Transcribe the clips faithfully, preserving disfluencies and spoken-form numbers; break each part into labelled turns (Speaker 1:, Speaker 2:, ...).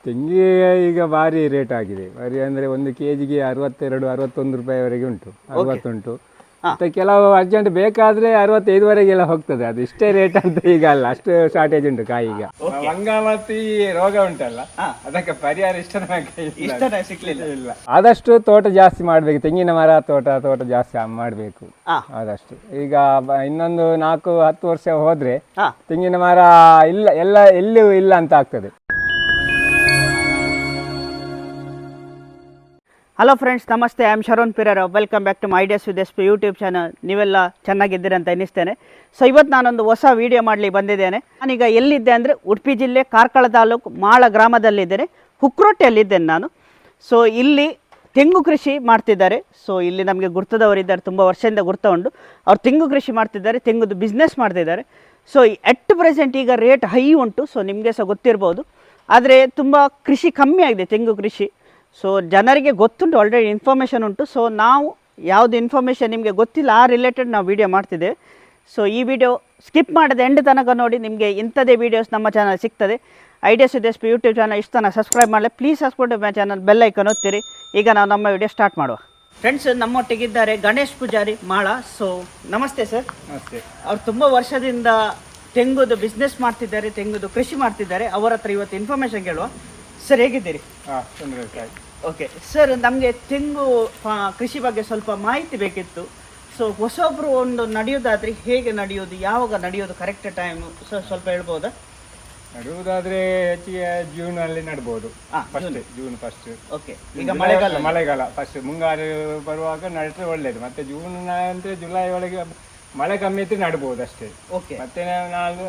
Speaker 1: ತೆಂಗಿಗೆ ಈಗ ಭಾರಿ ರೇಟ್ ಆಗಿದೆ. ಭಾರಿ ಅಂದರೆ ಒಂದು ಕೆ ಜಿಗೆ ಅರವತ್ತೆರಡು ಅರವತ್ತೊಂದು ರೂಪಾಯಿವರೆಗೆ ಉಂಟು, ಅರವತ್ತುಂಟು. ಮತ್ತು ಕೆಲವು ಅರ್ಜೆಂಟ್ ಬೇಕಾದರೆ ಅರವತ್ತೈದುವರೆಗೆಲ್ಲ ಹೋಗ್ತದೆ. ಅದು ಇಷ್ಟೇ ರೇಟ್ ಅಂತ ಈಗ ಅಲ್ಲ, ಅಷ್ಟು ಶಾರ್ಟೇಜ್ ಉಂಟು ಕಾಯಿ ಈಗ. ಮಂಗಾಮತಿ ರೋಗ ಉಂಟಲ್ಲ, ಅದಕ್ಕೆ ಪರಿಹಾರ ಇಷ್ಟ ಸಿಕ್ಲಿಲ್ಲ ಇಲ್ಲ. ಆದಷ್ಟು ತೋಟ ಜಾಸ್ತಿ ಮಾಡಬೇಕು, ತೆಂಗಿನ ಮರ ತೋಟ ತೋಟ ಜಾಸ್ತಿ ಮಾಡಬೇಕು ಆದಷ್ಟು. ಈಗ ಇನ್ನೊಂದು ನಾಲ್ಕು ಹತ್ತು ವರ್ಷ ಹೋದರೆ ತೆಂಗಿನ ಮರ ಇಲ್ಲ, ಎಲ್ಲ ಎಲ್ಲಿಯೂ ಇಲ್ಲ ಅಂತ ಆಗ್ತದೆ.
Speaker 2: ಹಲೋ ಫ್ರೆಂಡ್ಸ್, ನಮಸ್ತೆ. I am Sharan Pirar. Welcome back to my ideas with S P YouTube channel. ನೀವೆಲ್ಲ ಚೆನ್ನಾಗಿದ್ದೀರಿ ಅಂತ ಎನಿಸ್ತೇನೆ. ಸೊ ಇವತ್ತು ನಾನೊಂದು ಹೊಸ ವೀಡಿಯೋ ಮಾಡಲಿ ಬಂದಿದ್ದೇನೆ. ನಾನೀಗ ಎಲ್ಲಿದ್ದೆ ಅಂದರೆ ಉಡುಪಿ ಜಿಲ್ಲೆ ಕಾರ್ಕಳ ತಾಲೂಕು ಮಾಳ ಗ್ರಾಮದಲ್ಲಿದ್ದೇನೆ. ಹುಕ್ರೋಟೆಯಲ್ಲಿದ್ದೇನೆ ನಾನು. ಸೊ ಇಲ್ಲಿ ತೆಂಗು ಕೃಷಿ ಮಾಡ್ತಿದ್ದಾರೆ. ಸೊ ಇಲ್ಲಿ ನಮಗೆ ಗುರ್ತದವರಿದ್ದಾರೆ, ತುಂಬ ವರ್ಷದಿಂದ ಗುರ್ತ ಉಂಟು. ಅವ್ರು ತೆಂಗು ಕೃಷಿ ಮಾಡ್ತಿದ್ದಾರೆ, ತೆಂಗುದು ಬಿಸ್ನೆಸ್ ಮಾಡ್ತಿದ್ದಾರೆ. ಸೊ ಎಟ್ ಪ್ರೆಸೆಂಟ್ ಈಗ ರೇಟ್ ಹೈ ಉಂಟು. ಸೊ ನಿಮಗೆ ಸಹ ಗೊತ್ತಿರ್ಬೋದು. ಆದರೆ ತುಂಬ ಕೃಷಿ ಕಮ್ಮಿ ಆಗಿದೆ, ತೆಂಗು ಕೃಷಿ. ಸೊ ಜನರಿಗೆ ಗೊತ್ತುಂಟು, ಆಲ್ರೆಡಿ ಇನ್ಫಾರ್ಮೇಷನ್ ಉಂಟು. ಸೊ ನಾವು ಯಾವುದು ಇನ್ಫಾರ್ಮೇಷನ್ ನಿಮಗೆ ಗೊತ್ತಿಲ್ಲ ಆ ರಿಲೇಟೆಡ್ ನಾವು ವೀಡಿಯೋ ಮಾಡ್ತಿದ್ದೇವೆ. ಸೊ ಈ ವಿಡಿಯೋ ಸ್ಕಿಪ್ ಮಾಡದೆ ಎಂಡ್ ತನಕ ನೋಡಿ, ನಿಮಗೆ ಇಂಥದೇ ವೀಡಿಯೋಸ್ ನಮ್ಮ ಚಾನಲ್ ಸಿಗ್ತದೆ. Ideas with S P YouTube channel ಇಷ್ಟು ತನಕ ಸಬ್ಸ್ಕ್ರೈಬ್ ಮಾಡಲಿ please. Subscribe my channel, bell icon ಒತ್ತಿರಿ. ಈಗ ನಾವು ನಮ್ಮ ವಿಡಿಯೋ ಸ್ಟಾರ್ಟ್ ಮಾಡುವ. ಫ್ರೆಂಡ್ಸ್, ನಮ್ಮೊಟ್ಟಿಗಿದ್ದಾರೆ ಗಣೇಶ್ ಪೂಜಾರಿ ಮಾಳ. ಸೊ ನಮಸ್ತೆ ಸರ್.
Speaker 1: ನಮಸ್ತೆ.
Speaker 2: ಅವ್ರು ತುಂಬ ವರ್ಷದಿಂದ ತೆಂಗುದು ಬಿಸ್ನೆಸ್ ಮಾಡ್ತಿದ್ದಾರೆ, ತೆಂಗುದು ಕೃಷಿ ಮಾಡ್ತಿದ್ದಾರೆ. ಅವರ ಹತ್ರ ಇವತ್ತು ಇನ್ಫಾರ್ಮೇಷನ್ ಕೇಳುವ. ಸರ್ ಹೇಗಿದ್ದೀರಿ? ಓಕೆ ಸರ್, ನಮಗೆ ತೆಂಗು ಕೃಷಿ ಬಗ್ಗೆ ಸ್ವಲ್ಪ ಮಾಹಿತಿ ಬೇಕಿತ್ತು. ಸೊ ಹೊಸೊಬ್ಬರು ಒಂದು ನಡೆಯೋದಾದ್ರೆ ಹೇಗೆ ನಡೆಯೋದು, ಯಾವಾಗ ನಡೆಯೋದು ಕರೆಕ್ಟ್ ಟೈಮು ಸೊ ಸ್ವಲ್ಪ ಹೇಳ್ಬೋದಾ?
Speaker 1: ನಡುವುದಾದ್ರೆ ಹೆಚ್ಚಿಗೆ ಜೂನ್ ಅಲ್ಲಿ ನಡ್ಬೋದು. June first.
Speaker 2: ಓಕೆ, ಈಗ ಮಳೆಗಾಲ
Speaker 1: ಮಳೆಗಾಲ ಫಸ್ಟ್ ಮುಂಗಾರು ಬರುವಾಗ ನಡೆದ್ರೆ ಒಳ್ಳೇದು. ಮತ್ತೆ ಜೂನ್ ಅಂದ್ರೆ ಜುಲೈ ಒಳಗೆ ಮಳೆ ಕಮ್ಮಿ ಇದ್ರೆ ನಡ್ಬೋದು ಅಷ್ಟೇ.
Speaker 2: ಓಕೆ,
Speaker 1: ಮತ್ತೆ ನಾವು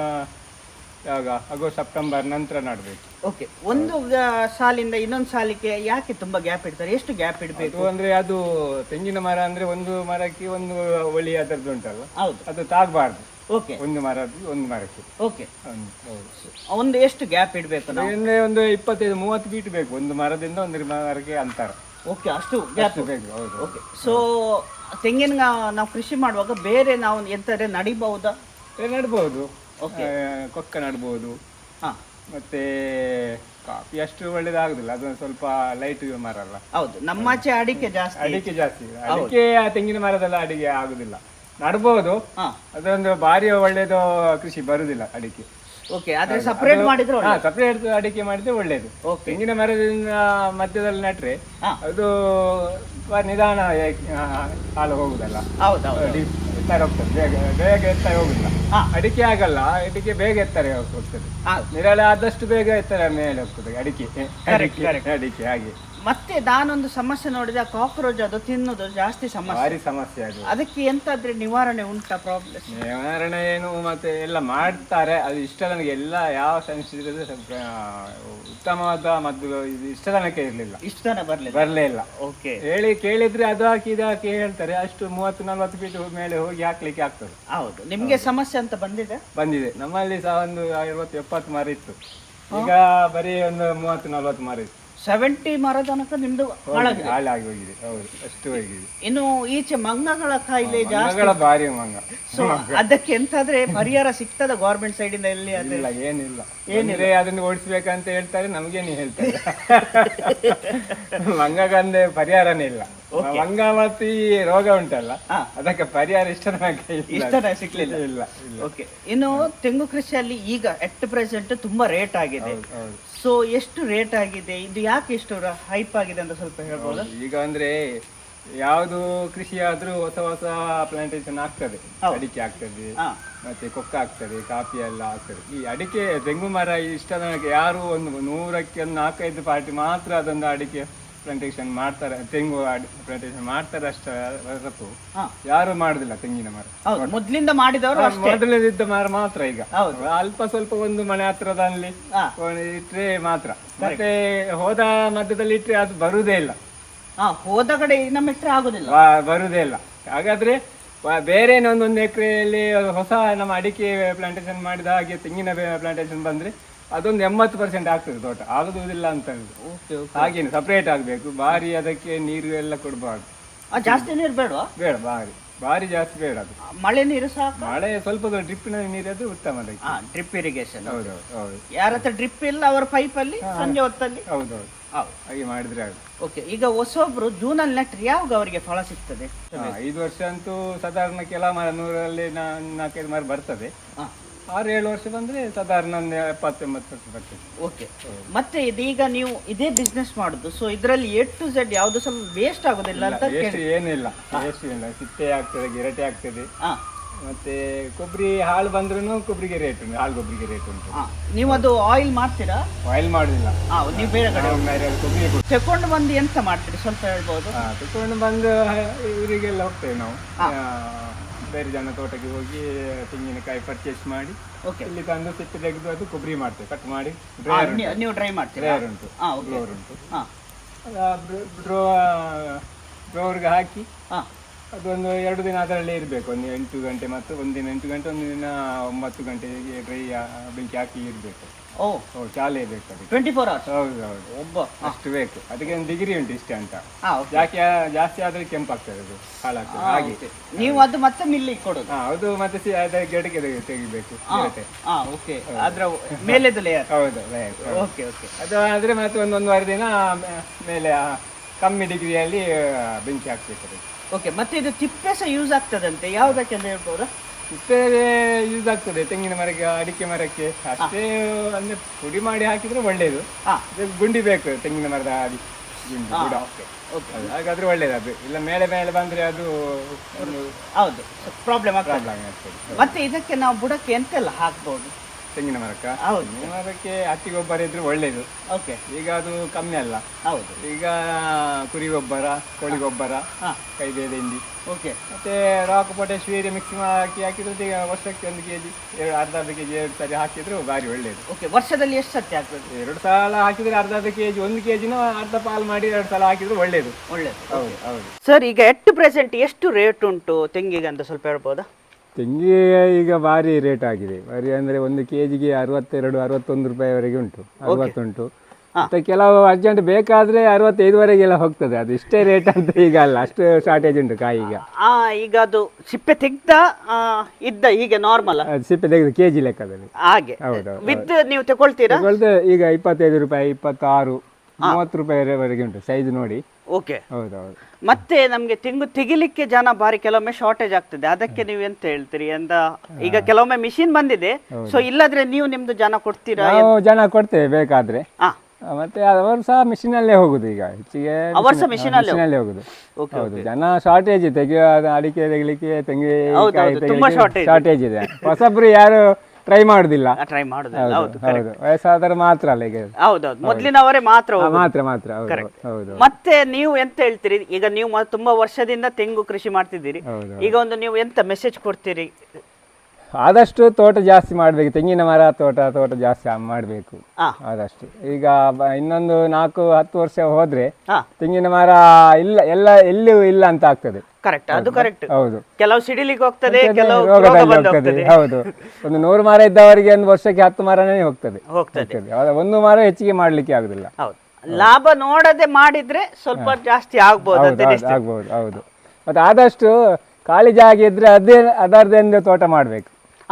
Speaker 1: ಯಾವಾಗ ಆಗಸ್ಟ್ ಸೆಪ್ಟೆಂಬರ್ ನಂತರ ನಡಬೇಕು.
Speaker 2: ಓಕೆ, ಒಂದು ಸಾಲಿಂದ ಇನ್ನೊಂದು ಸಾಲಿಗೆ ಯಾಕೆ ತುಂಬಾ ಗ್ಯಾಪ್ ಇಡ್ತಾರೆ? ಎಷ್ಟು ಗ್ಯಾಪ್ ಇಡಬೇಕು
Speaker 1: ಅಂದ್ರೆ ಅದು ತೆಂಗಿನ ಮರ ಅಂದ್ರೆ ಒಂದು ಮರಕ್ಕೆ ಒಂದು ಒಳಿ ಅದರದ್ದು ಉಂಟಲ್ಲ,
Speaker 2: ಹೌದು,
Speaker 1: ಅದು ತಾಗಬಾರ್ದು.
Speaker 2: ಓಕೆ,
Speaker 1: ಒಂದು ಮರದ್ದು ಒಂದು ಮರಕ್ಕೆ.
Speaker 2: ಓಕೆ, ಒಂದು ಎಷ್ಟು ಗ್ಯಾಪ್ ಇಡಬೇಕು?
Speaker 1: ಅಂದ್ರೆ ಒಂದು ಇಪ್ಪತ್ತೈದು ಮೂವತ್ತು ಫೀಟ್ ಬೇಕು ಒಂದು ಮರದಿಂದ ಒಂದು ಮರಕ್ಕೆ ಅಂತರ.
Speaker 2: ಓಕೆ, ಅಷ್ಟು ಗ್ಯಾಪ್
Speaker 1: ಬೇಕು. ಹೌದು.
Speaker 2: ಓಕೆ, ಸೊ ತೆಂಗಿನ ನಾವು ಕೃಷಿ ಮಾಡುವಾಗ ಬೇರೆ ನಾವು ಎಂತಾರೆ ನಡಿಬಹುದಾ?
Speaker 1: ನಡ್ಬೋದು. ಕೊಕ್ಕ ನಡ್ಬೋದು.
Speaker 2: ಹಾ,
Speaker 1: ಮತ್ತೆ ಕಾಫಿ ಅಷ್ಟು ಒಳ್ಳೇದಾಗುದಿಲ್ಲ, ಅದು ಸ್ವಲ್ಪ ಲೈಟ್ ಮರ ಅಲ್ಲ.
Speaker 2: ಹೌದು, ನಮ್ಮಾಚೆ ಅಡಿಕೆ ಜಾಸ್ತಿ.
Speaker 1: ಅಡಿಕೆ ಜಾಸ್ತಿ. ಅಡಿಕೆ ತೆಂಗಿನ ಮರದಲ್ಲ ಅಡಿಕೆ ಆಗುದಿಲ್ಲ. ನಡ್ಬೋದು, ಅದೊಂದು ಭಾರಿ ಒಳ್ಳೇದು ಕೃಷಿ ಬರುದಿಲ್ಲ ಅಡಿಕೆ.
Speaker 2: ಓಕೆ, ಆದ್ರೆ ಸಪರೇಟ್ ಮಾಡಿದ್ರೆ
Speaker 1: ಸಪರೇಟ್ ಅಡಿಕೆ ಮಾಡಿದ್ರೆ ಒಳ್ಳೇದು. ತೆಂಗಿನ ಮರದಿಂದ ಮಧ್ಯದಲ್ಲಿ ನಟ್ರೆ ಅದು ನಿಧಾನ ಹಾಲು ಹೋಗುದಲ್ಲ.
Speaker 2: ಹೌದೌದು,
Speaker 1: ಎತ್ತರ ಹೋಗ್ತದೆ, ಬೇಗ ಬೇಗ ಎತ್ತರ ಹೋಗುದಿಲ್ಲ. ಅಡಿಕೆ ಆಗಲ್ಲ, ಅಡಿಕೆ ಬೇಗ ಎತ್ತರ ಹೋಗ್ತದೆ. ನಿರಾಳೆ ಆದಷ್ಟು ಬೇಗ ಎತ್ತರ ಮೇಲೆ ಹೋಗ್ತದೆ ಅಡಿಕೆ. ಅಡಿಕೆ ಹಾಗೆ.
Speaker 2: ಮತ್ತೆ ನಾನೊಂದು ಸಮಸ್ಯೆ ನೋಡಿದೆ, ಕಾಕ್ರೋಚ್ ಅದು ತಿನ್ನೋದು ಜಾಸ್ತಿ ಸಮಸ್ಯೆ, ಭಾರಿ
Speaker 1: ಸಮಸ್ಯೆ ಅದು.
Speaker 2: ಅದಕ್ಕೆ ಎಂತಾದ್ರೆ ನಿವಾರಣೆ ಉಂಟಾ? ಪ್ರಾಬ್ಲಮ್
Speaker 1: ನಿವಾರಣೆ ಏನು ಮತ್ತೆ ಎಲ್ಲ ಮಾಡ್ತಾರೆ. ಅದು ಇಷ್ಟ ನನಗೆ ಎಲ್ಲ ಯಾವ ಸಂಸ್ಥೆ ಉತ್ತಮವಾದ ಮದ್ದು ಇದು ಇಷ್ಟ ತನಕ ಇರಲಿಲ್ಲ,
Speaker 2: ಇಷ್ಟ ತನಕ ಬರ್ಲಿ
Speaker 1: ಬರ್ಲೇ ಇಲ್ಲ.
Speaker 2: ಓಕೆ,
Speaker 1: ಹೇಳಿ ಕೇಳಿದ್ರೆ ಅದು ಹಾಕಿ ಇದು ಹಾಕಿ ಹೇಳ್ತಾರೆ. ಅಷ್ಟು ಮೂವತ್ತು ನಲ್ವತ್ತು ಫೀಟ್ ಮೇಲೆ ಹೋಗಿ ಹಾಕ್ಲಿಕ್ಕೆ ಆಗ್ತದೆ.
Speaker 2: ಹೌದು, ನಿಮ್ಗೆ ಸಮಸ್ಯೆ ಅಂತ ಬಂದಿದೆ?
Speaker 1: ಬಂದಿದೆ. ನಮ್ಮಲ್ಲಿ ಸಹ ಒಂದು ಐವತ್ತು ಎಪ್ಪತ್ತು ಮರ ಇತ್ತು, ಈಗ ಬರೀ ಒಂದು ಮೂವತ್ತು ನಲ್ವತ್ತು ಮರ ಇತ್ತು.
Speaker 2: ಸೆವೆಂಟಿ ಮರ ತನಕ ನಿಮ್ದು
Speaker 1: ಹಾಳಾಗಿ ಹೋಗಿದೆ. ಹೌದು, ಅಷ್ಟು ಹೋಗಿದೆ.
Speaker 2: ಇನ್ನು ಈಚೆ ಮಂಗಗಳ ಕಾಯಿಲೆ ಜಾಸ್ತಿ,
Speaker 1: ಭಾರಿ ಮಂಗ.
Speaker 2: ಸೊ ಅದಕ್ಕೆ ಎಂತಾದ್ರೆ ಪರಿಹಾರ ಸಿಗ್ತದ ಗೌರ್ಮೆಂಟ್ ಸೈಡ್ ಇಂದ? ಎಲ್ಲಿ
Speaker 1: ಅದಿಲ್ಲ, ಏನಿಲ್ಲ. ಏನಿಲ್ಲ, ಅದನ್ನು ಓಡಿಸ್ಬೇಕಂತ ಹೇಳ್ತಾರೆ, ನಮ್ಗೇನು ಹೇಳ್ತಾರೆ. ಮಂಗಗಂದೆ ಪರಿಹಾರನೇ ಇಲ್ಲ. ಮಂಗಾಮತಿ ರೋಗ ಉಂಟಲ್ಲ, ಅದಕ್ಕೆ ಪರಿಹಾರ ಇಷ್ಟ
Speaker 2: ಇಷ್ಟ ಸಿಕ್ಲಿಲ್ಲ. ಇಲ್ಲ. ಓಕೆ, ಇನ್ನು ತೆಂಗು ಕೃಷಿಯಲ್ಲಿ ಈಗ ಎಟ್ ಪ್ರೆಸೆಂಟ್ ತುಂಬಾ ರೇಟ್ ಆಗಿದೆ. ಸೊ ಎಷ್ಟು ರೇಟ್ ಆಗಿದೆ, ಇದು ಯಾಕೆ ಇಷ್ಟು ಹೈಪ್ ಆಗಿದೆ ಅಂತ ಸ್ವಲ್ಪ ಹೇಳ್ಬೋದು?
Speaker 1: ಈಗ ಅಂದ್ರೆ ಯಾವುದು ಕೃಷಿ ಆದ್ರೂ ಹೊಸ ಹೊಸ ಪ್ಲಾಂಟೇಶನ್ ಆಗ್ತದೆ. ಅಡಿಕೆ ಆಗ್ತದೆ, ಮತ್ತೆ ಕೊಕ್ಕ ಆಗ್ತದೆ, ಕಾಫಿ ಎಲ್ಲ ಆಗ್ತದೆ. ಈ ಅಡಿಕೆ ತೆಂಗು ಮರ ಇಷ್ಟ ನನಗೆ ಯಾರು ಒಂದು ನೂರಕ್ಕೆ ಒಂದು ನಾಲ್ಕೈದು ಪಾರ್ಟಿ ಮಾತ್ರ ಅದೊಂದು ಅಡಿಕೆ ಪ್ಲಾಂಟೇಶನ್ ಮಾಡ್ತಾರೆ, ತೆಂಗು ಪ್ಲಾಂಟೇಶನ್ ಮಾಡ್ತಾರೆ ಅಷ್ಟೇ ಹೊರತು ಯಾರು ಮಾಡುದಿಲ್ಲ ತೆಂಗಿನ ಮರ.
Speaker 2: ಮೊದ್ಲಿಂದ ಮಾಡಿದವರು
Speaker 1: ಮೊದಲಿದ್ದ ಮರ ಮಾತ್ರ ಈಗ ಅಲ್ಪ ಸ್ವಲ್ಪ ಒಂದು ಮನೆ ಹತ್ರದಲ್ಲಿ ಇಟ್ರೆ ಮಾತ್ರ. ಮತ್ತೆ ಹೋದ ಮಧ್ಯದಲ್ಲಿ ಇಟ್ರೆ ಅದು ಬರುವುದೇ ಇಲ್ಲ.
Speaker 2: ಹೋದ ಕಡೆ ನಮ್ಮ ಇಟ್ರೆ ಆಗುದಿಲ್ಲ,
Speaker 1: ಬರುವುದೇ ಇಲ್ಲ. ಹಾಗಾದ್ರೆ ಬೇರೆ ಒಂದೊಂದು ಎಕರೆಯಲ್ಲಿ ಹೊಸ ನಮ್ಮ ಅಡಿಕೆ ಪ್ಲಾಂಟೇಶನ್ ಮಾಡಿದ ಹಾಗೆ ತೆಂಗಿನ ಪ್ಲಾಂಟೇಶನ್ ಬಂದ್ರೆ ಅದೊಂದು ಎಂಬತ್ತು ಪರ್ಸೆಂಟ್ ಆಗ್ತದೆ ತೋಟ. ಆಗುದಿಲ್ಲ ಅಂತ ಹಾಗೇನು ಸಪ್ರೇಟ್ ಆಗಬೇಕು. ಭಾರಿ ಅದಕ್ಕೆ ನೀರು ಎಲ್ಲ ಕೊಡಬಾರ್ದು.
Speaker 2: ಜಾಸ್ತಿ ನೀರು ಬೇಡ,
Speaker 1: ಬೇಡ ಭಾರಿ ಭಾರಿ ಜಾಸ್ತಿ ಬೇಡ ಅದು.
Speaker 2: ಮಳೆ ನೀರು ಸಾಕು.
Speaker 1: ಮಳೆ ಸ್ವಲ್ಪ ಡ್ರಿಪ್ಪಿನ ನೀರದು ಉತ್ತಮ ಅದಕ್ಕೆ.
Speaker 2: Drip irrigation.
Speaker 1: ಹೌದು ಹೌದು.
Speaker 2: ಯಾರ ಹತ್ರ ಡ್ರಿಪ್ ಇಲ್ಲ ಅವರ ಪೈಪ್ ಅಲ್ಲಿ ಸಂಜೆ ಹೊತ್ತಲ್ಲಿ.
Speaker 1: ಹೌದೌದು ಹಾಗೆ ಮಾಡಿದ್ರೆ ಆಗುತ್ತೆ.
Speaker 2: ಓಕೆ, ಈಗ ಹೊಸೊಬ್ರು ಜೂನ್ ಅಲ್ಲಿ ನೆಟ್ರೆ ಯಾವಾಗ ಅವರಿಗೆ ಫಲ ಸಿಗ್ತದೆ?
Speaker 1: ಐದು ವರ್ಷ ಅಂತೂ ಸಾಧಾರಣ ಕೆಲ ಮರ ನೂರಲ್ಲಿ ನಾಲ್ಕೈದು ಮರ ಬರ್ತದೆ. ಆರು ಏಳು ವರ್ಷ ಬಂದ್ರೆ ಸಾಧಾರಣ ಒಂದು ಎಪ್ಪತ್ತೆಂಬತ್ತು ವರ್ಷ ಬರ್ತದೆ.
Speaker 2: ಓಕೆ, ಮತ್ತೆ ಇದೀಗ ನೀವು ಇದೇ ಬಿಸ್ನೆಸ್ ಮಾಡುದು, ಸೊ ಇದರಲ್ಲಿ ಎ ಟು ಝೆಡ್ ಯಾವ್ದು ಸ್ವಲ್ಪ ವೇಸ್ಟ್ ಆಗೋದಿಲ್ಲ ಅಂತ?
Speaker 1: ವೇಸ್ಟ್ ಏನಿಲ್ಲ, ವೇಸ್ಟ್ ಇಲ್ಲ. ಸಿಪ್ಪೆ ಆಗ್ತದೆ, ಗಿರಟೆ ಆಗ್ತದೆ, ಮತ್ತೆ ಕೊಬ್ಬರಿ ಹಾಳು ಬಂದ್ರೂ ಕೊಬ್ಬರಿಗೆ ರೇಟ್ ಉಂಟು, ಹಾಳು ಕೊಬ್ಬರಿಗೆ ರೇಟ್ ಉಂಟು.
Speaker 2: ನೀವು ಅದು ಆಯಿಲ್ ಮಾಡ್ತೀರಾ?
Speaker 1: ಆಯಿಲ್ ಮಾಡುದಿಲ್ಲ,
Speaker 2: ನೀವು ಬೇರೆ ಕಡೆ
Speaker 1: ಕೊಬ್ಬರಿ
Speaker 2: ತಕೊಂಡು ಬಂದು ಎಂತ ಮಾಡ್ತೀರಿ ಸ್ವಲ್ಪ ಹೇಳ್ಬೋದು?
Speaker 1: ತಕೊಂಡು ಬಂದು ಇವರಿಗೆಲ್ಲ ಹೋಗ್ತೇವೆ ನಾವು, ಬೇರೆ ಜನ ತೋಟಕ್ಕೆ ಹೋಗಿ ತೆಂಗಿನಕಾಯಿ ಪರ್ಚೇಸ್ ಮಾಡಿ ಇಲ್ಲಿ ತಂದು ಸಿಪ್ಪೆ ತೆಗೆದು ಅದು ಕೊಬ್ಬರಿ ಮಾಡ್ತೇವೆ, ಕಟ್ ಮಾಡಿ.
Speaker 2: ನೀವು ಡ್ರೈ ಮಾಡ್ತೀರಾ?
Speaker 1: ಡ್ರೈಯರ್ ಉಂಟು, ಬ್ಲೋವರ್ ಉಂಟು. ಬ್ರೋ ಬ್ರೋವರ್ಗೆ ಹಾಕಿ ಅದೊಂದು ಎರಡು ದಿನ ಅದರಲ್ಲೇ ಇರಬೇಕು. ಒಂದು ಎಂಟು ಗಂಟೆ ಮತ್ತು ಒಂದಿನ ಎಂಟು ಗಂಟೆ, ಒಂದು ದಿನ ಒಂಬತ್ತು ಗಂಟೆಗೆ ಡ್ರೈ ಬೆಂಕಿ ಹಾಕಿ ಇರಬೇಕು. ಓ ಓ ಚಾಲೇ ಬೇಕು ಅದಕ್ಕೆ, ಟ್ವೆಂಟಿ ಫೋರ್ ಅವರ್ಸ್. ಹೌದು ಹೌದು, ಒಬ್ಬ ಅಷ್ಟು ಬೇಕು. ಅದಕ್ಕೆ ಒಂದು ಡಿಗ್ರಿ ಉಂಟು ಇಷ್ಟೇ ಅಂತ. ಯಾಕೆ ಜಾಸ್ತಿ ಆದ್ರೆ ಕೆಂಪಾಗ್ತದೆ, ಅದು ಹಾಳಾಗ್ತದೆ. ಹಾಗೆ
Speaker 2: ನೀವು ಅದು ಮತ್ತೆ ಮಿಲ್ಲಿಗೆ ಕೊಡೋದು?
Speaker 1: ಹೌದು, ಮತ್ತೆ ಗೆಡಕೆ ತೆಗಿಬೇಕು.
Speaker 2: ಓಕೆ, ಅದ್ರ ಮೇಲೆದು ಲೇಯರ್.
Speaker 1: ಹೌದು, ಓಕೆ ಓಕೆ. ಅದು ಆದ್ರೆ ಮತ್ತೆ ಒಂದು ಒಂದೂವರೆ ದಿನ ಮೇಲೆ ಕಮ್ಮಿ ಡಿಗ್ರಿಯಲ್ಲಿ ಬೆಂಕಿ ಹಾಕ್ಬೇಕು.
Speaker 2: ಓಕೆ, ಮತ್ತೆ ಇದು ತಿಪ್ಪೆ ಸಹ ಯೂಸ್ ಆಗ್ತದಂತೆ, ಯಾವುದಕ್ಕೆ ಅಂತ ಹೇಳ್ಬೋದಾ?
Speaker 1: ತಿಪ್ಪೆ ಯೂಸ್ ಆಗ್ತದೆ ತೆಂಗಿನ ಮರಕ್ಕೆ, ಅಡಿಕೆ ಮರಕ್ಕೆ ಅಷ್ಟೇ. ಅಂದ್ರೆ ಪುಡಿ ಮಾಡಿ ಹಾಕಿದ್ರೆ ಒಳ್ಳೇದು. ಗುಂಡಿ ಬೇಕು ತೆಂಗಿನ ಮರದ ಅಡಿ ಗುಂಡಿ, ಹಾಗಾದ್ರೆ ಒಳ್ಳೇದು. ಅದು ಇಲ್ಲ ಮೇಲೆ ಮೇಲೆ ಬಂದ್ರೆ ಅದು
Speaker 2: ಹೌದು ಪ್ರಾಬ್ಲಮ್ ಆಗ್ತದೆ. ಮತ್ತೆ ಇದಕ್ಕೆ ನಾವು ಬುಡಕ್ಕೆ ಎಂತೆಲ್ಲ ಹಾಕ್ಬಹುದು
Speaker 1: ತೆಂಗಿನ ಮರಕ್ಕ? ತೆಂಗಿನ ಮರಕ್ಕೆ ಹಟ್ಟಿ ಗೊಬ್ಬರ ಇದ್ರೆ ಒಳ್ಳೇದು. ಓಕೆ, ಈಗ ಅದು ಕಮ್ಮಿ ಅಲ್ಲ. ಹೌದು, ಈಗ ಕುರಿ ಗೊಬ್ಬರ, ಕೋಳಿ ಗೊಬ್ಬರ, ಕೈಬೇಳೆ ಹಿಂಡಿ, ಓಕೆ, ಮತ್ತೆ ರಾಕ್ ಪೊಟ್ಯಾಶ್ ಯೂರಿಯಾ ಮಿಕ್ಸ್ ಹಾಕಿ ಹಾಕಿದ್ರೆ ಈಗ ವರ್ಷಕ್ಕೆ ಒಂದು ಕೆಜಿ ಎರಡು ಅರ್ಧ ಅರ್ಧ ಕೆಜಿ ಎರಡು ಸರಿ ಹಾಕಿದ್ರು ಭಾರಿ ಒಳ್ಳೇದು.
Speaker 2: ಓಕೆ, ವರ್ಷದಲ್ಲಿ ಎಷ್ಟು ಸತಿ ಹಾಕ್ಬೇಕು?
Speaker 1: ಎರಡು ಸಲ ಹಾಕಿದ್ರೆ ಅರ್ಧ ಅರ್ಧ ಕೆಜಿ, ಒಂದು ಕೆಜಿನ ಅರ್ಧ ಪಾಲ್ ಮಾಡಿ ಎರಡು ಸಲ ಹಾಕಿದ್ರೆ ಒಳ್ಳೇದು. ಒಳ್ಳೇದು, ಹೌದು ಹೌದು.
Speaker 2: ಸರ್, ಈಗ ಎಟ್ ಪ್ರೆಸೆಂಟ್ ಎಷ್ಟು ರೇಟ್ ಉಂಟು ತೆಂಗಿಗೆ ಅಂತ ಸ್ವಲ್ಪ ಹೇಳ್ಬೋದಾ?
Speaker 1: ತೆಂಗಿಗೆ ಈಗ ಭಾರಿ ರೇಟ್ ಆಗಿದೆ. ಭಾರಿ ಅಂದರೆ ಒಂದು ಕೆ ಜಿಗೆ ಅರವತ್ತೆರಡು ಅರವತ್ತೊಂದು ರೂಪಾಯಿವರೆಗೆ ಉಂಟು, ಅರವತ್ತುಂಟು. ಮತ್ತು ಕೆಲವು ಅರ್ಜೆಂಟ್ ಬೇಕಾದರೆ ಅರವತ್ತೈದುವರೆಗೆಲ್ಲ ಹೋಗ್ತದೆ. ಅದು ಇಷ್ಟೇ ರೇಟ್ ಅಂತ ಈಗ ಅಲ್ಲ, ಅಷ್ಟು ಶಾರ್ಟೇಜ್ ಉಂಟು ಕಾಯಿ ಈಗ.
Speaker 2: ಈಗ ಅದು ಸಿಪ್ಪೆ ತೆಗ್ದ ಇದ್ದ ಹೀಗೆ ನಾರ್ಮಲ್
Speaker 1: ಸಿಪ್ಪೆ ತೆಗೆದು ಕೆ ಜಿ ಲೆಕ್ಕದಲ್ಲಿ
Speaker 2: ಹಾಗೆ. ಹೌದು, ವಿತ್ ನೀವು ತಗೊಳ್ತೀರಾ?
Speaker 1: ತಗೊಳ್ತೇವೆ. ಈಗ ಇಪ್ಪತ್ತೈದು ರೂಪಾಯಿ, ಇಪ್ಪತ್ತಾರು, ಮೂವತ್ತು ರೂಪಾಯಿವರೆಗೆ ಉಂಟು ಸೈಜ್ ನೋಡಿ.
Speaker 2: ಓಕೆ,
Speaker 1: ಹೌದೌದು.
Speaker 2: ಮತ್ತೆ ನಮ್ಗೆ ತೆಂಗು ತೆಗಿಲಿಕ್ಕೆ ಜನ ಬಾರಿ ಕೆಲವೊಮ್ಮೆ ಶಾರ್ಟೇಜ್ ಆಗ್ತದೆ, ಅದಕ್ಕೆ ನೀವು ಎಂತ ಹೇಳ್ತೀರಿ ಅಂತ? ಈಗ ಕೆಲವೊಮ್ಮೆ ಮಿಷಿನ್ ಬಂದಿದೆ, ಸೊ ಇಲ್ಲದ್ರೆ ನೀವು ನಿಮ್ದು ಜನ ಕೊಡ್ತೀರಾ?
Speaker 1: ನಾವು ಜನ ಕೊಡ್ತೇವೆ ಬೇಕಾದ್ರೆ. ಮತ್ತೆ ಅವರು ಸಹ ಮಿಷಿನ್ ಅಲ್ಲೇ ಹೋಗುದು. ಈಗ ಹೆಚ್ಚಿಗೆ
Speaker 2: ಅವರು ಸಹ ಮಿಷಿನ್ ಅಲ್ಲೇ
Speaker 1: ಹೋಗುದು. ಹೌದು, ಜನ ಶಾರ್ಟೇಜ್ ತೆಗಿಯೋ ಅಡಿಕೆ ತೆಗಿಲಿಕ್ಕೆ, ತೆಂಗಿನ ಶಾರ್ಟೇಜ್ ಇದೆ. ಹೊಸಬ್ರು ಯಾರು ಟ್ರೈ ಮಾಡುದಿಲ್ಲ,
Speaker 2: ಟ್ರೈ ಮಾಡುದಿಲ್ಲ. ಹೌದು,
Speaker 1: ವಯಸ್ಸಾದ್ರೆ ಮಾತ್ರ ಅಲ್ಲ ಈಗ.
Speaker 2: ಹೌದೌದು, ಮೊದಲಿನವರೇ ಮಾತ್ರ
Speaker 1: ಮಾತ್ರ ಮಾತ್ರ ಹೌದು.
Speaker 2: ಮತ್ತೆ ನೀವು ಎಂತ ಹೇಳ್ತೀರಿ? ಈಗ ನೀವು ತುಂಬಾ ವರ್ಷದಿಂದ ತೆಂಗು ಕೃಷಿ ಮಾಡ್ತಿದ್ದೀರಿ, ಈಗ ಒಂದು ನೀವು ಎಂತ ಮೆಸೇಜ್ ಕೊಡ್ತೀರಿ?
Speaker 1: ಆದಷ್ಟು ತೋಟ ಜಾಸ್ತಿ ಮಾಡ್ಬೇಕು, ತೆಂಗಿನ ಮರ ತೋಟ ತೋಟ ಜಾಸ್ತಿ ಮಾಡಬೇಕು ಆದಷ್ಟು. ಈಗ ಇನ್ನೊಂದು ನಾಲ್ಕು ಹತ್ತು ವರ್ಷ ಹೋದ್ರೆ ತೆಂಗಿನ ಮರ ಇಲ್ಲ, ಎಲ್ಲ ಎಲ್ಲಿಯೂ ಇಲ್ಲ ಅಂತ ಆಗ್ತದೆ.
Speaker 2: ಕರೆಕ್ಟ್, ಅದು ಕರೆಕ್ಟ್.
Speaker 1: ಹೌದು,
Speaker 2: ಕೆಲವು ಸಿಡಿಲಿಕ್ಕೆ ಹೋಗ್ತದೆ, ಕೆಲವು
Speaker 1: ಹೋಗ್ತದೆ. ಹೌದು, ಒಂದು ನೂರು ಮರ ಇದ್ದವರಿಗೆ ಒಂದು ವರ್ಷಕ್ಕೆ ಹತ್ತು ಮರನೇ ಹೋಗ್ತದೆ ಹೋಗ್ತದೆ ಒಂದು ಮರ ಹೆಚ್ಚಿಗೆ ಮಾಡ್ಲಿಕ್ಕೆ ಆಗುದಿಲ್ಲ.
Speaker 2: ಹೌದು, ಲಾಭ ನೋಡದೆ ಮಾಡಿದ್ರೆ ಸ್ವಲ್ಪ ಜಾಸ್ತಿ ಆಗ್ಬಹುದು
Speaker 1: ಆಗ್ಬಹುದು. ಹೌದು, ಮತ್ತೆ ಆದಷ್ಟು ಖಾಲಿ ಜಾಗ ಇದ್ರೆ ಅದೇ ಅದರದೊಂದು ತೋಟ ಮಾಡ್ಬೇಕು.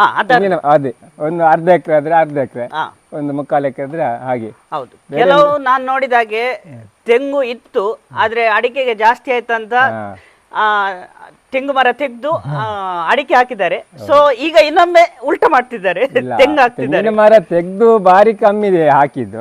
Speaker 1: ಅದೇ ಒಂದು ಅರ್ಧ ಎಕರೆ ಆದ್ರೆ ಅರ್ಧ ಎಕರೆ, ಒಂದು ಮುಕ್ಕಾಲು ಎಕರೆ ಆದ್ರೆ ಹಾಗೆ.
Speaker 2: ಹೌದು, ಕೆಲವು ನಾನ್ ನೋಡಿದಾಗೆ ತೆಂಗು ಇತ್ತು, ಆದ್ರೆ ಅಡಿಕೆಗೆ ಜಾಸ್ತಿ ಆಯ್ತಂತ ಆ ತೆಂಗು ಮರ ತೆಗೆದು ಅಡಿಕೆ ಹಾಕಿದ್ದಾರೆ. ಸೊ ಈಗ ಇನ್ನೊಮ್ಮೆ ಉಲ್ಟ ಮಾಡ್ತಿದ್ದಾರೆ, ತೆಂಗು ಹಾಕ್ತಿದ್ದಾರೆ.
Speaker 1: ಮರ ತೆಗೆದು ಬಾರಿ ಕಮ್ಮಿ ಇದೆ ಹಾಕಿದ್ದು,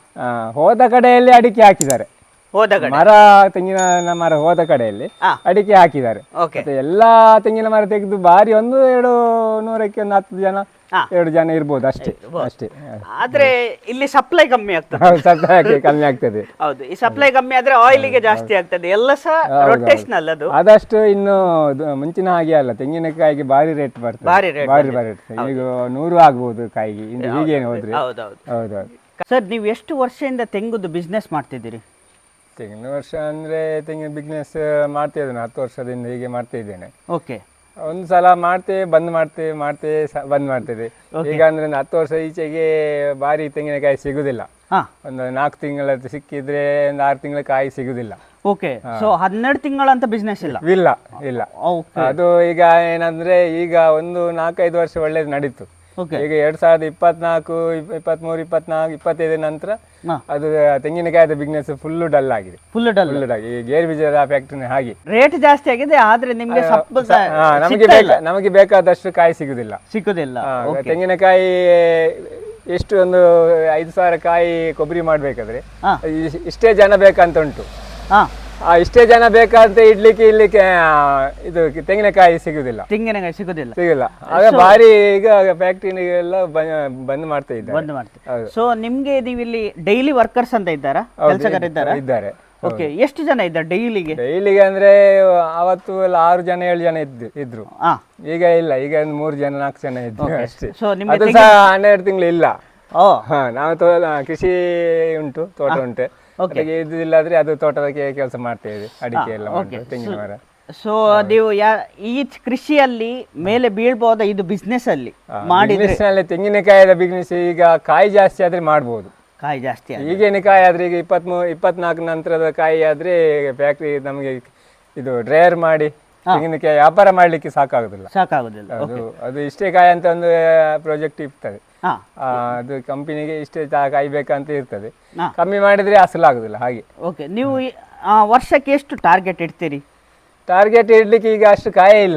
Speaker 1: ಹೋದ ಕಡೆಯಲ್ಲಿ ಅಡಿಕೆ ಹಾಕಿದ್ದಾರೆ.
Speaker 2: ಹೋದ
Speaker 1: ಮರ ತೆಂಗಿನ ಮರ ಹೋದ ಕಡೆಯಲ್ಲಿ ಅಡಿಕೆ ಹಾಕಿದ್ದಾರೆ. ಮತ್ತೆ ಎಲ್ಲಾ ತೆಂಗಿನ ಮರ ತೆಗೆದು ಬಾರಿ ಒಂದು ಎರಡು ನೂರಕ್ಕೆ ಒಂದು ಹತ್ತು ಜನ ಎರಡು ಜನ ಇರ್ಬೋದು ಅಷ್ಟೇ ಅಷ್ಟೇ.
Speaker 2: ಆದ್ರೆ ಇಲ್ಲಿ ಸಪ್ಲೈ ಕಮ್ಮಿ ಆಗ್ತದೆ.
Speaker 1: ಸಪ್ಲೈ ಕಮ್ಮಿ ಆಗ್ತದೆ.
Speaker 2: ಹೌದು, ಈ ಸಪ್ಲೈ ಕಮ್ಮಿ ಆದ್ರೆ ಆಯಿಲ್ಗೆ ಜಾಸ್ತಿ ಆಗ್ತದೆ. ಎಲ್ಲ ಸಹ ರೊಟೇಷನಲ್ ಅದು.
Speaker 1: ಆದಷ್ಟು ಇನ್ನು ಮುಂಚಿನ ಹಾಗೆ ಅಲ್ಲ, ತೆಂಗಿನಕಾಯಿಗೆ ಬಾರಿ ರೇಟ್ ಬರ್ತದೆ, ಬಾರಿ ಬಾರಿ ಬಾರಿ ಈಗ ನೂರು ಆಗ್ಬಹುದು ಕಾಯಿಗೆ ಹೀಗೇನು ಹೋದ್ರೆ. ಹೌದೌದು.
Speaker 2: ಸರ್, ನೀವು ಎಷ್ಟು ವರ್ಷದಿಂದ ತೆಂಗುದು ಬಿಸ್ನೆಸ್ ಮಾಡ್ತಿದ್ದೀರಿ?
Speaker 1: ತೆಂಗಿನ ವರ್ಷ ಅಂದ್ರೆ ತೆಂಗಿನ ಬಿಸ್ನೆಸ್ ಮಾಡ್ತಾ ಇದ್ದೇನೆ, ಹತ್ತು ವರ್ಷದಿಂದ ಹೀಗೆ ಮಾಡ್ತಾ ಇದ್ದೇನೆ.
Speaker 2: ಓಕೆ,
Speaker 1: ಒಂದು ಸಲ ಮಾಡ್ತೇವೆ, ಬಂದ್ ಮಾಡ್ತೇವೆ, ಮಾಡ್ತೇವೆ, ಬಂದ್ ಮಾಡ್ತೇವೆ. ಈಗ ಅಂದ್ರೆ ಹತ್ತು ವರ್ಷ ಈಚೆಗೆ ಬಾರಿ ತೆಂಗಿನಕಾಯಿ ಸಿಗುದಿಲ್ಲ. ಒಂದು ನಾಲ್ಕು ತಿಂಗಳ ಸಿಕ್ಕಿದ್ರೆ ಒಂದು ಆರು ತಿಂಗಳ ಕಾಯಿ ಸಿಗುದಿಲ್ಲ.
Speaker 2: ಓಕೆ ಸೊ ಹನ್ನೆರಡು ತಿಂಗಳಂತ ಬಿಸ್ನೆಸ್ ಇಲ್ಲ
Speaker 1: ಇಲ್ಲ ಇಲ್ಲ
Speaker 2: ಓಕೆ
Speaker 1: ಅದು ಈಗ ಏನಂದ್ರೆ ಈಗ ಒಂದು ನಾಲ್ಕೈದು ವರ್ಷ ಒಳ್ಳೇದು ನಡೀತು.
Speaker 2: ಓಕೆ
Speaker 1: ಈಗ ಎರಡ್ ಸಾವಿರದ ಇಪ್ಪತ್ನಾಲ್ಕು ಇಪ್ಪತ್ಮೂರು ಇಪ್ಪತ್ನಾಲ್ಕು ಇಪ್ಪತ್ತೈದು ನಂತರ
Speaker 2: ಹಾ.
Speaker 1: ಅದು ತೆಂಗಿನಕಾಯದ ಬಿಸ್ನೆಸ್ ಫುಲ್ ಡಲ್ ಆಗಿದೆ.
Speaker 2: ಫುಲ್ ಡಲ್
Speaker 1: ಫುಲ್ ಡಲ್ ಈ ಗೇರು ಬೀಜದ ಫ್ಯಾಕ್ಟ್ರಿನ ಹಾಗೆ
Speaker 2: ರೇಟ್ ಜಾಸ್ತಿ ಆಗಿದೆ ಆದ್ರೆ ನಿಮ್ಗೆ ಸಪ್ಪು
Speaker 1: ಹಾ, ನಮಗೆ ಬೇಕಾ ನಮಗೆ ಬೇಕಾದಷ್ಟು ಕಾಯಿ ಸಿಗುದಿಲ್ಲ.
Speaker 2: ಸಿಕ್ಕುದಿಲ್ಲ.
Speaker 1: ಹಾ, ತೆಂಗಿನಕಾಯಿ ಎಷ್ಟು ಒಂದು ಐದು ಸಾವಿರ ಕಾಯಿ ಕೊಬ್ಬರಿ ಮಾಡ್ಬೇಕಾದ್ರೆ
Speaker 2: ಹಾ.
Speaker 1: ಇ- ಇಷ್ಟೇ ಜನ ಬೇಕಂತ ಉಂಟು.
Speaker 2: ಹಾ
Speaker 1: ಆ, ಇಷ್ಟೇ ಜನ ಬೇಕಂತ ಇಡ್ಲಿಕ್ಕೆ ಇಡ್ಲಿಕ್ಕೆ ಆ, ಇದು ತೆಂಗಿನಕಾಯಿ ಸಿಗುದಿಲ್ಲ
Speaker 2: ತೆಂಗಿನಕಾಯಿ ಸಿಗುದಿಲ್ಲ.
Speaker 1: ಸಿಗಲ್ಲ. ಆಗ ಭಾರಿ ಈಗ ಫ್ಯಾಕ್ಟ್ರಿಗೆಲ್ಲ ಬಂದ್ ಮಾಡ್ತಾ ಇದ್ದಾರೆ.
Speaker 2: ಬಂದ್ ಮಾಡ್ತೀವಿ. ಸೊ ನಿಮ್ಗೆ ನೀವು ಇಲ್ಲಿ ಡೈಲಿ ವರ್ಕರ್ಸ್ ಅಂತ ಇದ್ದಾರಾ, ಕೆಲಸಗಾರ ಇದ್ದಾರಾ?
Speaker 1: ಇದ್ದಾರೆ.
Speaker 2: ಓಕೆ, ಎಷ್ಟು ಜನ ಇದ್ದಾರೆ ಡೈಲಿಗೆ?
Speaker 1: ಡೈಲಿಗೆ ಅಂದ್ರೆ ಅವತ್ತು ಎಲ್ಲ ಆರು ಜನ ಏಳು ಜನ ಇದ್ದು ಇದ್ರು.
Speaker 2: ಹಾ
Speaker 1: ಈಗ ಇಲ್ಲ, ಈಗ ಒಂದು ಮೂರು ಜನ ನಾಲ್ಕು ಜನ ಇದ್ರು ಅಷ್ಟೇ.
Speaker 2: ಸೊ ನಿಮ್ಗೆ
Speaker 1: ಅದು ಸಹ ಹನ್ನೆರಡು ತಿಂಗಳು ಇಲ್ಲ.
Speaker 2: ಓ
Speaker 1: ಹಾ, ನಾವು ತೋ ಕೃಷಿ ಉಂಟು, ತೋಟ ಉಂಟು. ಅದಕ್ಕೆ ಇದು ಇಲ್ಲಾದ್ರೆ ಅದು ತೋಟದ ಕೆಲಸ ಮಾಡ್ತಾ ಇದೆ, ಅಡಿಕೆ ಎಲ್ಲ ಮಾಡ್ತೇವೆ, ತೆಂಗಿನ ಮರ.
Speaker 2: ಸೊ ನೀವು ಯಾ ಈ ಕೃಷಿಯಲ್ಲಿ ಮೇಲೆ ಬೀಳ್ಬಹುದಾ ಇದು ಬಿಸ್ನೆಸ್ ಅಲ್ಲಿ ಮಾಡಿದ್ರೆ?
Speaker 1: ಬಿಸ್ನೆಸ್ ನಲ್ಲಿ ತೆಂಗಿನಕಾಯಿಯ ಬಿಸ್ನೆಸ್ ಈಗ ಕಾಯಿ ಜಾಸ್ತಿ ಆದ್ರೆ ಮಾಡ್ಬೋದು.
Speaker 2: ಕಾಯಿ ಜಾಸ್ತಿ ಆಗಿದೆ.
Speaker 1: ಈಗೇನು ಕಾಯಿ ಆದ್ರೆ ಈಗ ಇಪ್ಪತ್ಮೂರು ಇಪ್ಪತ್ನಾಲ್ಕು ನಂತರದ ಕಾಯಿ ಆದ್ರೆ ಫ್ಯಾಕ್ಟ್ರಿ ನಮಗೆ ಇದು ಡ್ರೈಯರ್ ಮಾಡಿ ತೆಂಗಿನಕಾಯಿ ವ್ಯಾಪಾರ ಮಾಡ್ಲಿಕ್ಕೆ ಸಾಕಾಗುದಿಲ್ಲ.
Speaker 2: ಸಾಕಾಗುದಿಲ್ಲ.
Speaker 1: ಅದು ಅದು ಇಷ್ಟೇ ಕಾಯಿ ಅಂತ ಒಂದು ಪ್ರಾಜೆಕ್ಟ್ ಇರ್ತದೆ.
Speaker 2: ಹಾ
Speaker 1: ಆ, ಅದು ಕಂಪನಿಗೆ ಇಷ್ಟೇ ಚಾ- ಕಾಯಿ ಬೇಕಂತ ಇರ್ತದೆ.
Speaker 2: ಹಾ.
Speaker 1: ಕಮ್ಮಿ ಮಾಡಿದ್ರೆ ಅಸಲಾಗುದಿಲ್ಲ ಹಾಗೆ.
Speaker 2: ಓಕೆ, ನೀವು ಈ- ಆ, ವರ್ಷಕ್ಕೆ ಎಷ್ಟು ಟಾರ್ಗೆಟ್ ಇಡ್ತೀರಿ?
Speaker 1: ಟಾರ್ಗೆಟ್ ಇಡ್ಲಿಕ್ಕೆ ಈಗ ಅಷ್ಟು ಕಾಯೇ ಇಲ್ಲ.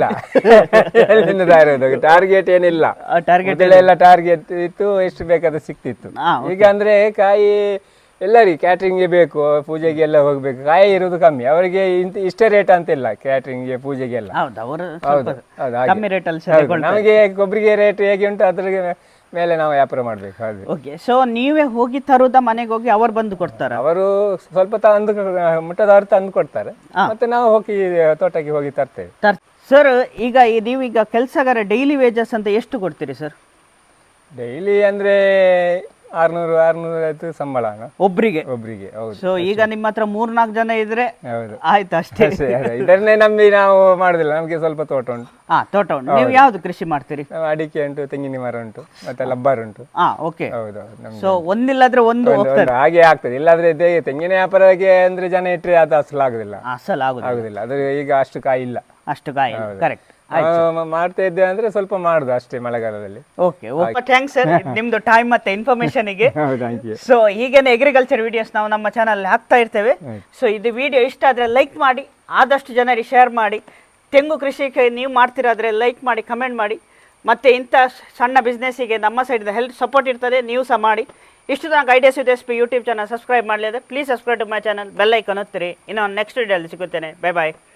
Speaker 1: ಟಾರ್ಗೆಟ್ ಏನಿಲ್ಲ.
Speaker 2: ಟಾರ್ಗೆಟ್
Speaker 1: ಎಲ್ಲ ಟಾರ್ಗೆಟ್ ಇತ್ತು, ಎಷ್ಟು ಬೇಕಾದ ಸಿಕ್ತಿತ್ತು. ಈಗ ಅಂದ್ರೆ ಕಾಯಿ ಎಲ್ಲರಿಗೆ ಕ್ಯಾಟ್ರಿಂಗ್ಗೆ ಬೇಕು, ಪೂಜೆಗೆ ಎಲ್ಲ ಹೋಗ್ಬೇಕು, ಕಾಯಿ ಇರೋದು ಕಮ್ಮಿ. ಅವರಿಗೆ ಇಂತ ಇಷ್ಟೇ ರೇಟ್ ಅಂತಿಲ್ಲ, ಕ್ಯಾಟ್ರಿಂಗ್ಗೆ ಪೂಜೆಗೆಲ್ಲ.
Speaker 2: ಹೌದು, ಅವರು
Speaker 1: ಹೌದು ಹೌದು ಹಾಗೆ.
Speaker 2: ಕಮ್ಮಿ ರೇಟ್ ಅಲ್ಲಿ
Speaker 1: ಹೌದು, ನಮಗೆ ಕೊಬ್ಬರಿಗೆ ರೇಟ್ ಹೇಗೆ ಉಂಟು ಅದ್ರ ಮೇಲೆ ನಾವು ವ್ಯಾಪಾರ ಮಾಡ್ಬೇಕು. ಹಾಗೆ
Speaker 2: ಓಕೆ, ಸೊ ನೀವೇ ಹೋಗಿ ತರುದ ಮನೆಗೆ ಹೋಗಿ ಅವ್ರು ಬಂದು ಕೊಡ್ತಾರ?
Speaker 1: ಅವರು ಸ್ವಲ್ಪ ತಂದು ಮುಟ್ಟದವರು ತಂದು ಕೊಡ್ತಾರೆ, ಮತ್ತೆ ನಾವು ಹೋಗಿ ತೋಟಕ್ಕೆ ಹೋಗಿ ತರ್ತೇವೆ.
Speaker 2: ಸರ್, ಈಗ ಈ- ನೀವೀಗ ಕೆಲಸಗಾರ ಡೈಲಿ ವೇಜಸ್ ಅಂತ ಎಷ್ಟು ಕೊಡ್ತೀರಿ ಸರ್?
Speaker 1: ಡೈಲಿ ಅಂದ್ರೆ ಆರ್ನೂರು ಆರ್ನೂರ ಐವತ್ತು ಸಂಬಳ
Speaker 2: ಒಬ್ರಿಗೆ
Speaker 1: ಒಬ್ರಿಗೆ. ಹೌದು.
Speaker 2: ಸೊ ಈಗ ನಿಮ್ಮ ಹತ್ರ ಮೂರ್ನಾಲ್ಕು ಜನ ಇದ್ರೆ
Speaker 1: ಹೌದು
Speaker 2: ಆಯ್ತು ಅಷ್ಟೇ.
Speaker 1: ಅಷ್ಟೇ, ಅದೇ. ಇದನ್ನೇ ನಂಬಿ ನಾವು ಮಾಡುದಿಲ್ಲ, ನಮ್ಗೆ ಸ್ವಲ್ಪ ತೋಟ ಉಂಟು.
Speaker 2: ಹಾ, ತೋಟ ಉಂಟು. ನೀವು ಯಾವ್ದು ಕೃಷಿ ಮಾಡ್ತೀರಿ?
Speaker 1: ನಾವು ಅಡಿಕೆ ಉಂಟು, ತೆಂಗಿನ ಮರ ಉಂಟು, ಮತ್ತೆ ಲಬ್ಬರ್ ಉಂಟು.
Speaker 2: ಹಾ, ಓಕೆ.
Speaker 1: ಹೌದು ಹೌದು, ನಮ್ಗೆ
Speaker 2: ಸೊ ಒಂದಿಲ್ಲಾದ್ರೆ ಒಂದು
Speaker 1: ಒಂದು- ಒಂದು ಹಾಗೆ ಆಗ್ತದೆ. ಇಲ್ಲಾದ್ರೆ ಇದೇ ತೆಂಗಿನ ವ್ಯಾಪಾರಕ್ಕೆ ಅಂದ್ರೆ ಜನ ಇಟ್ಟರೆ ಅದು ಅಸಲು ಆಗುದಿಲ್ಲ
Speaker 2: ಅಸಲ್ ಆಗುದು
Speaker 1: ಆಗುದಿಲ್ಲ. ಅದು ಈಗ ಅಷ್ಟು ಕಾಯಿ ಇಲ್ಲ.
Speaker 2: ಅಷ್ಟು ಕಾಯಿ. ಕರೆಕ್ಟ್.
Speaker 1: ನಾವು ಮಾಡ್ತಾ ಇದ್ದೇವೆ ಅಂದ್ರೆ ಸ್ವಲ್ಪ ಮಾಡುದು ಅಷ್ಟೇ ಮಳೆಗಾಲದಲ್ಲಿ.
Speaker 2: ಓಕೆ, ಥ್ಯಾಂಕ್ಸ್ ಸರ್ ನಿಮ್ದು ಟೈಮ್ ಮತ್ತೆ ಇನ್ಫಾರ್ಮೇಶನ್ ಗೆ.
Speaker 1: Thank you.
Speaker 2: ಸೊ ಹೀಗೇನೆ ಅಗ್ರಿಕಲ್ಚರ್ ವಿಡಿಯೋಸ್ ನಾವು ನಮ್ಮ ಚಾನಲ್ ಹಾಕ್ತಾ ಇರ್ತೇವೆ. ಸೊ ಇದು ವಿಡಿಯೋ ಇಷ್ಟ ಆದ್ರೆ ಲೈಕ್ ಮಾಡಿ, ಆದಷ್ಟು ಜನರಿಗೆ ಶೇರ್ ಮಾಡಿ. ತೆಂಗು ಕೃಷಿಗೆ ನೀವು ಮಾಡ್ತಿರಾದ್ರೆ ಲೈಕ್ ಮಾಡಿ, ಕಮೆಂಟ್ ಮಾಡಿ. ಮತ್ತೆ ಇಂಥ ಸಣ್ಣ ಬಿಸ್ನೆಸ್ಸಿಗೆ ನಮ್ಮ ಸೈಡ್ ಹೆಲ್ಪ್ ಸಪೋರ್ಟ್ ಇರ್ತದೆ, ನೀವು ಸಹ ಮಾಡಿ. ಇಷ್ಟು ತನಕ ideas with S P YouTube channel subscribe ಮಾಡಲಿದೆ, please subscribe to my channel, bell icon ಒತ್ತಿರಿ. ಇನ್ನು ನೆಕ್ಸ್ಟ್ ವಿಡಿಯೋಲ್ಲಿ ಸಿಗುತ್ತೇನೆ. Bye bye.